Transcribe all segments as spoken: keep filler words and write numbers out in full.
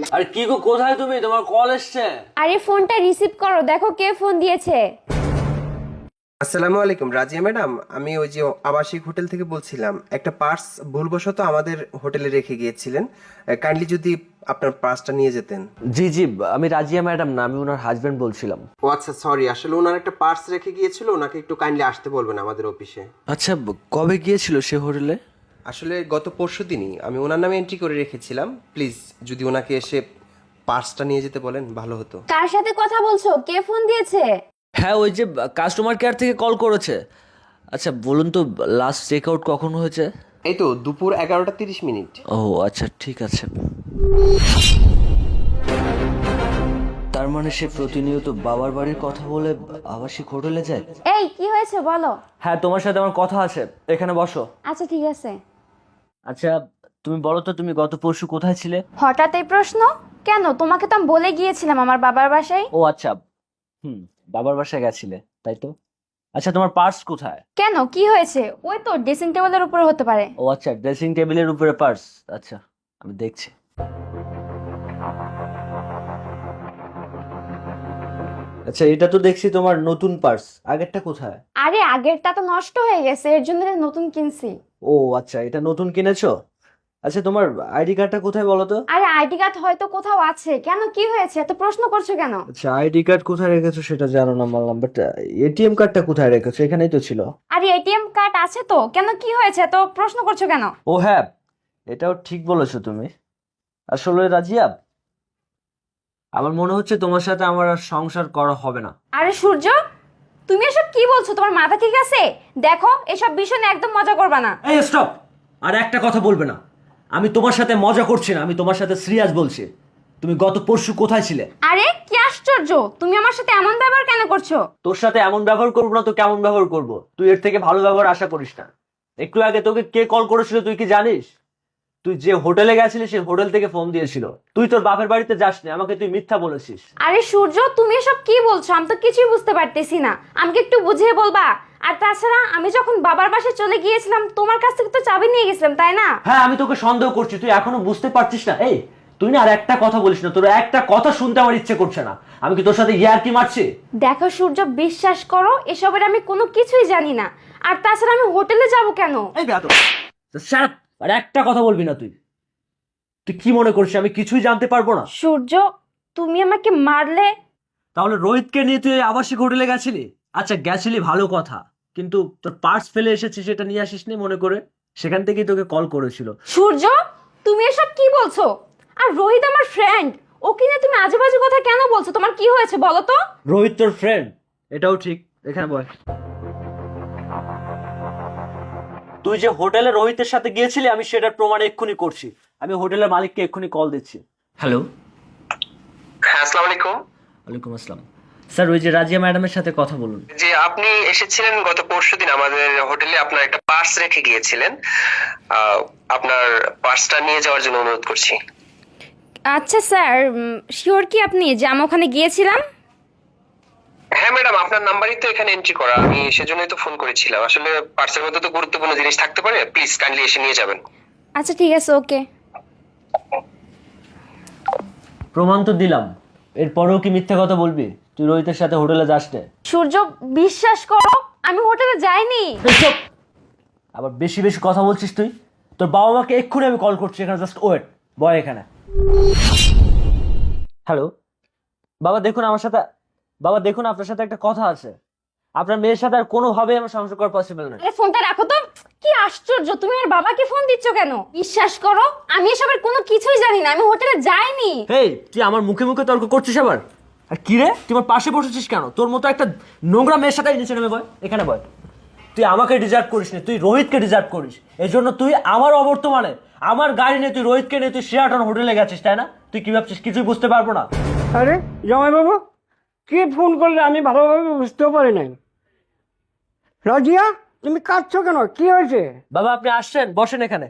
আরে কি গো, কোথায় তুমি? তোমার কল এসছে। আরে ফোনটা রিসিভ করো, দেখো কে ফোন দিয়েছে। আসসালামু আলাইকুম রাজিয়া ম্যাডাম, আমি ওই যে আবাসিক হোটেল থেকে বলছিলাম। একটা পার্স ভুলবশত আমাদের হোটেলে রেখে গিয়েছিলেন, কাইন্ডলি যদি আপনার পার্সটা নিয়ে যেতেন। জি জি, আমি রাজিয়া ম্যাডাম না, আমি ওনার হাজবেন্ড বলছিলাম। ও আচ্ছা, সরি, আসলে ওনার একটা পার্স রেখে গিয়েছিল, ওনাকে একটু কাইন্ডলি আসতে বলবেন আমাদের অফিসে। আচ্ছা, কবে গিয়েছিল সে হোটেলে? আসলে গত পরশু দিনই আমি ওনার নামে এন্ট্রি করে রেখেছিলাম। প্লিজ যদি ওনাকে এসে পার্সটা নিয়ে যেতে বলেন ভালো হতো। কার সাথে কথা বলছো? কে ফোন দিয়েছে? হ্যাঁ, ওই যে কাস্টমার কেয়ার থেকে কল করেছে। আচ্ছা বলুন তো, লাস্ট চেক আউট কখন হয়েছে? এই তো দুপুর এগারোটা তিরিশ মিনিট। ও আচ্ছা, ঠিক আছে। তার মানে সে প্রতিনিয়ত বাবার বাড়ির কথা বলে আবাসিক হোটেলে যায়? এই কি হয়েছে বলো। হ্যাঁ, তোমার সাথে আমার কথা আছে, এখানে বসো। আচ্ছা ঠিক আছে। আচ্ছা তুমি বলো তো, তুমি গত পরশু কোথায় ছিলে? হঠাৎ এই প্রশ্ন কেন? তোমাকে তো আমি বলে গিয়েছিলাম আমার বাবার বাসায়। ও আচ্ছা, হুম, বাবার বাসায় গেছিলে তাই তো। আচ্ছা তোমার পার্স কোথায়? কেন, কি হয়েছে? ওই তো ড্রেসিং টেবিলের উপরে হতে পারে। ও আচ্ছা, ড্রেসিং টেবিলের উপরে পার্স। আচ্ছা আমি দেখছি। আচ্ছা এটা তো দেখছি তোমার নতুন পার্স, আগেরটা কোথায়? আরে আগেরটা তো নষ্ট হয়ে গেছে, এর জন্য নতুন কিনছি। ও আচ্ছা, এটা নতুন কিনেছো। আচ্ছা তোমার আইডি কার্ডটা কোথায় বলো তো? আরে আইডি কার্ড হয়তো কোথাও আছে। কেন, কি হয়েছে? এত প্রশ্ন করছো কেন? আচ্ছা আইডি কার্ড কোথায় রেখেছো সেটা জানো না বললাম, বাট এটিএম কার্ডটা কোথায় রেখেছো? এখানেই তো ছিল। আরে এটিএম কার্ড আছে তো, কেন কি হয়েছে? এত প্রশ্ন করছো কেন? ও হ্যাঁ, এটাও ঠিক বলেছো তুমি। আসলে রাজিয়া, আমার মনে হচ্ছে তোমার সাথে আমার আর সংসার করা হবে না। আরে সূর্য, তুমি এসব কি বলছো? তোমার মাথা ঠিক আছে? দেখো, এসব বিষয় নিয়ে একদম মজা করবা না। এই স্টপ, আর একটা কথা বলবে না। আমি তোমার সাথে মজা করছি না, আমি তোমার সাথে সিরিয়াস বলছি। তুমি গত পরশু কোথায় ছিলে? আরে কি আশ্চর্য, তুমি আমার সাথে এমন ব্যবহার কেন করছো? তোর সাথে এমন ব্যবহার করবো না তো কেমন ব্যবহার করব? তুই এর থেকে ভালো ব্যবহার আশা করিস না। একটু আগে তোকে কে কল করেছিল তুই কি জানিস? তুই যে হোটেলে গেছিলি সেই হোটেল থেকে ফোন দিয়েছিল। তুই তোর বাপের বাড়িতে যাসনি, আমাকে তুই মিথ্যা বলেছিস। আরে সূর্য, তুমি এসব কি বলছো? আমি তো কিছুই বুঝতে পারতেছি না। আমাকে একটু বুঝিয়ে বলবা? আর তাছাড়া আমি যখন বাবার বাসায় চলে গিয়েছিলাম তোমার কাছ থেকে তো চাবি নিয়ে গেছিলাম, তাই না? হ্যাঁ আমি তোকে সন্দেহ করছি, তুই এখনো বুঝতে পারছিস না? এই তুই না আর একটা কথা বলিস না, তোর একটা কথা শুনতে আমার ইচ্ছে করছে না। আমি কি তোর সাথে ইয়ার্কি মারছি? দেখো সূর্য, বিশ্বাস করো, এসবের আমি কোনো কিছুই জানি না। আর তাছাড়া আমি হোটেলে যাব কেন? এই বেয়াদব, শাট আপ, আর একটা কথা বলবি না তুই। তুই কি মনে করছিস আমি কিছুই জানতে পারবো না? সূর্য, তুমি আমাকে মারলে? তাহলে রোহিতকে নিয়ে তুই আবাসিক হোটেলে গেছিলি? আচ্ছা গেছিলি ভালো কথা, কিন্তু তোর পার্স ফেলে এসেছিস, সেটা নিয়ে আসিসনি মনে করে। সেখান থেকেই তোকে কল করেছিল। সূর্য, তুমি এসব কি বলছো? আর রোহিত আমার ফ্রেন্ড, ওকে নিয়ে তুমি আজে বাজে কথা কেন বলছো? তোমার কি হয়েছে বলো তো? রোহিত তোর ফ্রেন্ড, এটাও ঠিক। এখানে বয়। তুই যে হোটেলে রোহিতের সাথে গিয়েছিলি আমি সেটার প্রমাণ এক্ষুনি করছি। আমি হোটেলের মালিককে এক্ষুনি কল দিচ্ছি। হ্যালো। হ্যাঁ, আসসালামু আলাইকুম। ওয়ালাইকুম আসসালাম। স্যার ওই যে রাজিয়া ম্যাডামের সাথে কথা বলুন। জি, আপনি এসেছিলেন গত পরশুদিন আমাদের হোটেলে, আপনার একটা পার্স রেখে গিয়েছিলেন। আহ, আপনার পার্সটা নিয়ে যাওয়ার জন্য অনুরোধ করছি। আচ্ছা স্যার, শিওর কি আপনি যে আমি ওখানে গিয়েছিলাম? হ্যাঁ ম্যাডাম, আপনার নাম্বারই তো এখানে এন্ট্রি করা, আমি সেজন্যই তো ফোন করেছিলাম। আসলে পার্সের মধ্যে তো গুরুত্বপূর্ণ জিনিস থাকতে পারে, প্লিজ কাইন্ডলি এসে নিয়ে যাবেন। আচ্ছা ঠিক আছে, ওকে। প্রমাণ তো দিলাম, এরপরেও কি মিথ্যে কথা বলবি? তুই রোহিতের সাথে হোটেলে যাস না। সূর্য, বিশ্বাস করো, আমি হোটেলে যাইনি। চুপ! আবার বেশি বেশি কথা বলছিস তুই। তোর বাবা মাকে এক্ষুনি আমি কল করছি, এখানে জাস্ট ওয়েট, বয় এখানে। হ্যালো বাবা, দেখুন আমার সাথে, বাবা দেখুন আপনার সাথে একটা কথা আছে। আপনার মেয়ের সাথে আর কোনোভাবেই আমার সংসার করা পসিবল নয়। আরে ফোনটা রাখো তো। কি আশ্চর্য, তুমি আর বাবাকে ফোন দিচ্ছ কেন? বিশ্বাস করো, আমি এসবের কোনো কিছুই জানি না, আমি হোটেলে যাইনি। হেই, তুই আমার মুখে মুখে তর্ক করছিস আবার? আর কি রে, তুই আমার পাশে বসেছিস কেন? তোর মতো একটা নোংরা মেয়ের সাথে নিচে নেমে বয়, এখানে বয়। তুই আমাকে ডিজার্ভ করিস না, তুই রোহিতকে ডিজার্ভ করিস। এই জন্য তুই আমার অবর্তমানে আমার গাড়ি নিয়ে তুই রোহিতকে নিয়ে তুই শেয়ারটন হোটেলে গেছিস, তাই না? তুই কি ভাবছিস কিছুই বুঝতে পারবো না? আরে জামাইবাবু, কে ফোন করলে আমি ভালোভাবে বুঝতেও পারি নাই। রাজিয়া, তুমি কাঁদছো কেন? কি হয়েছে? বাবা আপনি আসছেন, বসেন এখানে।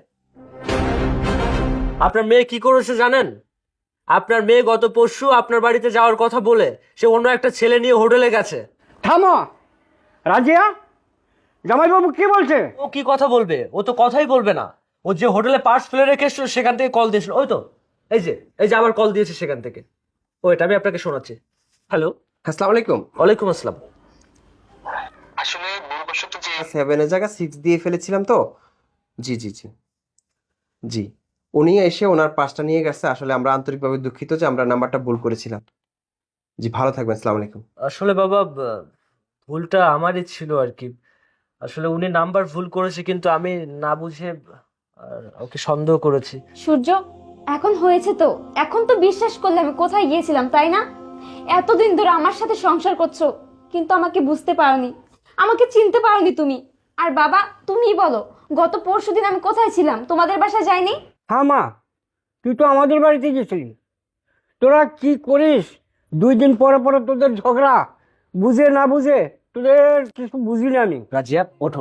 আপনার মেয়ে কি করেছে জানেন? আপনার মেয়ে গত পরশু আপনার বাড়িতে যাওয়ার কথা বলে সে অন্য একটা ছেলে নিয়ে হোটেলে গেছে। থামো রাজিয়া, জামাইবাবু কি বলছে? ও কি কথা বলবে? ও তো কথাই বলবে না। ও যে হোটেলে পার্স ফেলে রেখে এসেছিল সেখান থেকে কল দিয়েছিল, ওই তো এই যে এই যে আবার কল দিয়েছে সেখান থেকে। ও এটা আমি আপনাকে শোনাচ্ছি। হ্যালো, আসসালামু আলাইকুম। ওয়ালাইকুম আসসালাম। আসলে ভুলবশত যে সেভেনের জায়গায় সিক্স দিয়ে ফেলেছিলাম তো। জি জি জি জি উনি এসে ওনার পাসটা নিয়ে গেছে। আসলে আমরা আন্তরিকভাবে দুঃখিত যে আমরা নাম্বারটা ভুল করেছিলাম। জি ভালো থাকবেন, আসসালামু আলাইকুম। আসলে বাবা ব- ভুলটা আমারই ছিল আর কি। আসলে উনি নাম্বার ভুল করেছে, কিন্তু আমি না বুঝে আর ওকে সন্দেহ করেছি। সূর্য, এখন হয়েছে তো, এখন তো বিশ্বাস করলে আমি কোথায় গিয়েছিলাম, তাই না? এতদিন ধরে আমার সাথে সংসার করছো, কিন্তু আমাকে বুঝতে পারোনি, আমাকে চিনতে পারোনি তুমি। আর বাবা, তুমিই বলো, গত পরশুদিন আমি কোথায় ছিলাম? তোমাদের বাসায় যাইনি? হ্যাঁ মা, তুই তো আমাদের বাড়িতে গেছিলি। তোরা কি করিস দুই দিন পরে পরে, তোদের ঝগড়া বুঝে না বুঝে, তোদের কিছু বুঝি না আমি। রাজিয়া ওঠো।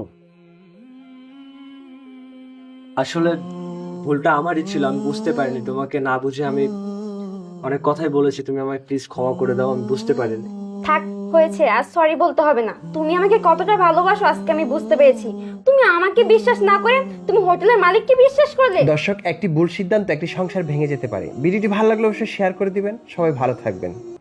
আসলে ভুলটা আমারই ছিল, আমি বুঝতে পারিনি। তোমাকে না বুঝে আমি অনেক কথাই বলেছি, তুমি আমায় প্লিজ ক্ষমা করে দাও, আমি বুঝতে পারিনি। থাক, হয়েছে, আর সরি বলতে হবে না। তুমি আমাকে কতটা ভালোবাসো আজকে আমি বুঝতে পেরেছি। তুমি আমাকে বিশ্বাস না করে তুমি হোটেলের মালিককে বিশ্বাস করলে। দর্শক, একটি ভুল সিদ্ধান্ত একটি সংসার ভেঙে যেতে পারে। ভিডিওটি ভালো লাগলে অবশ্যই শেয়ার করে দিবেন। সবাই ভালো থাকবেন।